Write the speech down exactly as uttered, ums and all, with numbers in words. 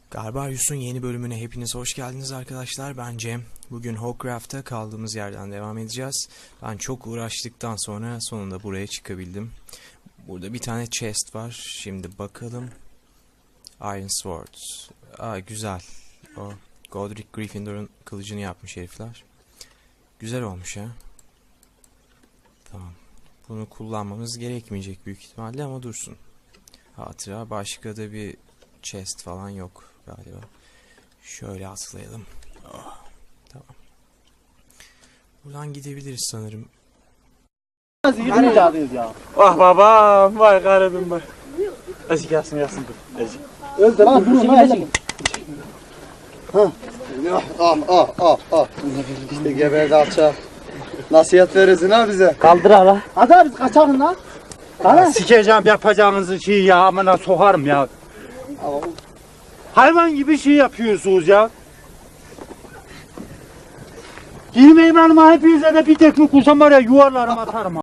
Garbarius'un yeni bölümüne hepiniz hoş geldiniz arkadaşlar. Ben Cem. Bugün Hogcraft'ta kaldığımız yerden devam edeceğiz. Ben çok uğraştıktan sonra sonunda buraya çıkabildim. Burada bir tane chest var. Şimdi bakalım. Iron Sword. Aa, güzel. O Godric Gryffindor'un kılıcını yapmış herifler. Güzel olmuş ha. Tamam. Bunu kullanmamız gerekmeyecek büyük ihtimalle ama dursun. Hatıra. Başka da bir chest falan yok galiba. Şöyle atlayalım. Oh, tamam. Buradan gidebiliriz sanırım. Ya. Vah babam, vay garibim vay. Ezik yasın yasın dur. Ezik. Öldü lan durun lan ezik. Ha. Ah ah ah ah. İşte geberdi alçak. Nasihat verirsin ha bize. Kaldır hala. Hadi abi kaçalım lan. Hala. Sikeceğim yapacağınızı şey ya, amına sokarım ya. Hayvan gibi şey yapıyorsunuz ya. Girmeyin hanıma, hepinize de bir tekme kusam var ya, yuvarlarım atarım.